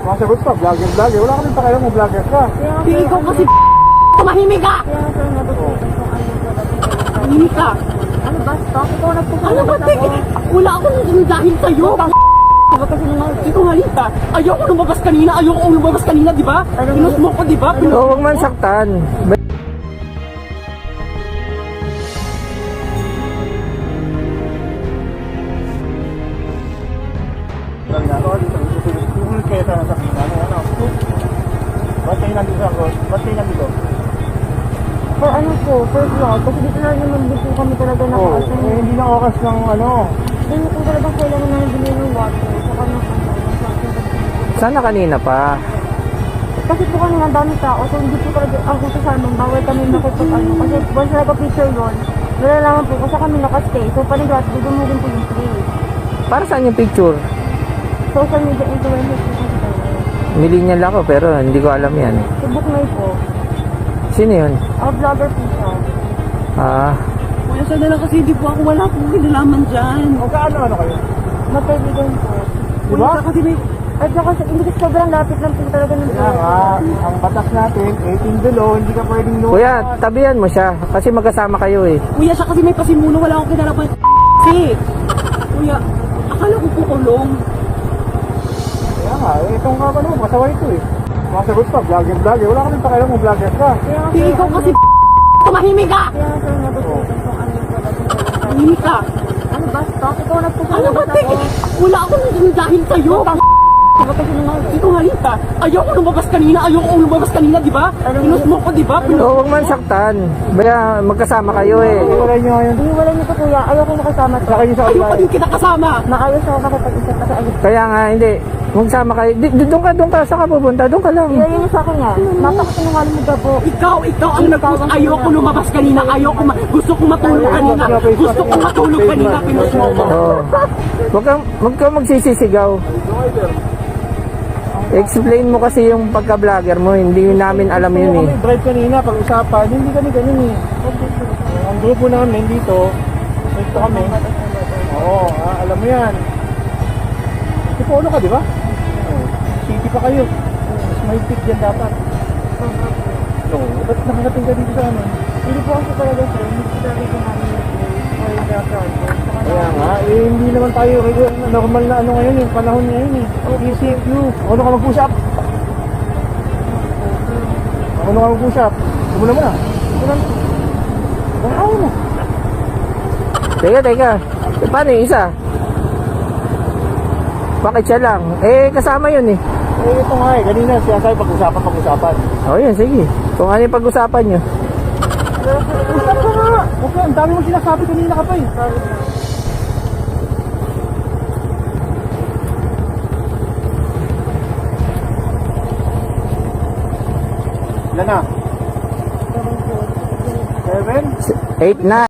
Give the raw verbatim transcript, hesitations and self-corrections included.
Masagot ka, vlogger, vlogger. Wala kami pakialam mo, vlogger ka. Di ikaw kasi tumahimik ka! Tumahimik ka! Ano ba? Stop. Ikaw nagpupunta. Ano ba? Wala akong dahil sa'yo! Sinungaling ka! Ayoko lumabas kanina! Ayoko lumabas kanina, di ba? Pinus mo ko, di ba? Oo, huwag man saktan. Sumunod kayo sa nasakita. Ano, ano? Ba't kayo nandito sa road? Ba't kayo nandito? For ano po? First law. Kasi dito na naman din po kami talaga Oo, naka-assign. eh, hindi na oras ng ano. Hindi po talagang kailangan na nabili ng water. Saka ng ano. Sana kanina pa. Kasi po kanina ang dami tao. So hindi po talaga ako sa amin. Bawal kami makipag ano. Kasi once na nagpa-picture yun, nalalaman po kasi kami nakastay. So panigat, dudumugin po yung free. Para saan yung picture? Social media influencers po kasi tayo. Millennial ako pero hindi ko alam yan. Si Bookmay po. Sino yun? Ah, vlogger po siya. Ah, Kuya, sana lang kasi hindi po ako wala akong kinalaman dyan. O kaano ano kayo? Magkaibigan po. Di ba? Kuya, kasi may... At saka hindi kasi sobrang lapit lang po talaga ng Kaya nga, ang batas natin, eighteen below, hindi ka pwedeng lumabas. kuya, tabihan mo siya kasi magkasama kayo eh. Kuya, siya kasi may pasimuno, wala akong kinalaman. Kasi, kuya, akala ko kukulong. Kaya nga, eh, itong ka ano, masaway ito eh. Masagot ka, vlogger, vlogger. Wala kami pakialam mo, vlogger ka. Di ikaw kasi tumahimik ka! Kaya nga sir, nagustuhan kung ano yung talaga. Tumahimik ka! Ano ba? Stop. Ikaw nagpupunta. Ano ba? Wala akong dahil sa'yo! Sinungaling ka! Ayoko lumabas kanina! Ayoko lumabas kanina, di ba? Pinus mo ko, di ba? Oo, huwag man saktan. Baya magkasama kayo eh. Iwalay nyo ngayon. Iiwalay niyo po kuya. Ayoko makasama to. Saka yung sa Ayoko online. din kita kasama! Maayos ako makipag-isip kasi ayos. Kaya nga, hindi. Magsama kayo. Di, di, doon ka, doon ka. Saan ka pupunta? Doon ka lang. Iyayin niyo sa akin yan. Napakasinungaling mo gabo. Ikaw, ikaw ang nag ayoko lumabas kanina, ayoko ma gusto kong matulog kanina, gusto kong matulog kanina, pinus mo ko. Oo. Huwag kang, huwag kang magsisisigaw. Explain mo kasi yung pagka-vlogger mo. Hindi namin alam yun eh. Kami drive kanina, pag-usapan, hindi kami ganun eh. Ang grupo namin dito, ito kami. Oo, ah, alam mo yan. Si Polo ka, di ba? Oo. City pa kayo. Mas mahigpit yan dapat. Oo, ba't nakarating ka dito sa amin? Hindi po ako talaga sir. Hindi po talaga ko namin yung for the project. Saka Kaya nga, eh, hindi naman tayo regular, normal na ano ngayon, yung panahon ngayon eh. E C Q. Ano ka mag-usap? Ano ka mag-usap? Sumula mo na. Ang ayaw mo. Teka, teka. Eh, paano yung isa? Bakit siya lang? Eh, kasama yun eh. Eh, ito nga eh. Kanina siya sabi pag-usapan, pag-usapan. O yun, sige. Kung ano yung pag-usapan nyo. Usap ka nga! Okay, ang dami mo sinasabi kanina ka pa eh. Ilan na? Seven? Eight na.